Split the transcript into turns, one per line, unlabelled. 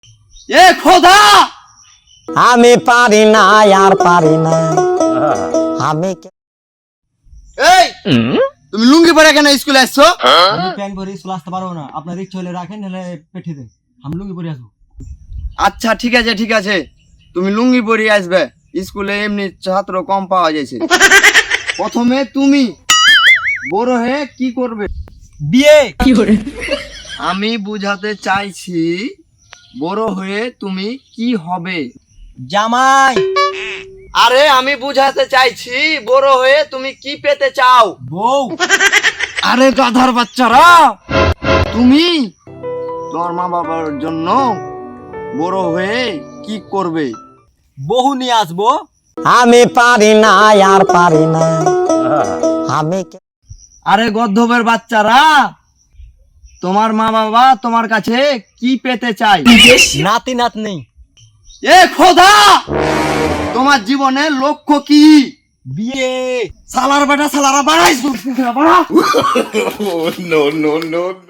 এ খোদা,
আমি পারি না আর পারি না আমি
এই তুমি লুঙ্গি পরে কেন স্কুলে আসছো?
আমি প্যান্ট পরে স্কুল আসতে পারবো না, আপনার ইচ্ছা হলে রাখেন, নাহলে পেঠিয়ে দেন। আমি লুঙ্গি পরে আসবো।
আচ্ছা ঠিক আছে ঠিক আছে, তুমি লুঙ্গি পরে আসবে। স্কুলে এমনি ছাত্র কম পাওয়া যাচ্ছে। প্রথমে তুমি বড় হয়ে কি করবে?
বিয়ে।
আমি বুঝাতে চাইছি বড় হয়ে তুমি কি হবে।
জামাই।
আরে আমি বুঝাতে চাইছি বড় হয়ে তুমি কি পেতে চাও।
বউ।
আরে গাধার বাচ্চারা, তুমি তোমার মা বাবার জন্য বড় হয়ে কি করবে?
বহু নিয়ে আসবো।
আমি পারি না আর পারি না আমি
আরে গর্ধবের বাচ্চারা, তোমার মা বাবা তোমার কাছে কি পেতে চায়?
নাতি নাতনি।
এ খোদা, তোমার জীবনের লক্ষ্য কি?
বিয়ে।
সালার বেটা সালারা বাড়াইছো।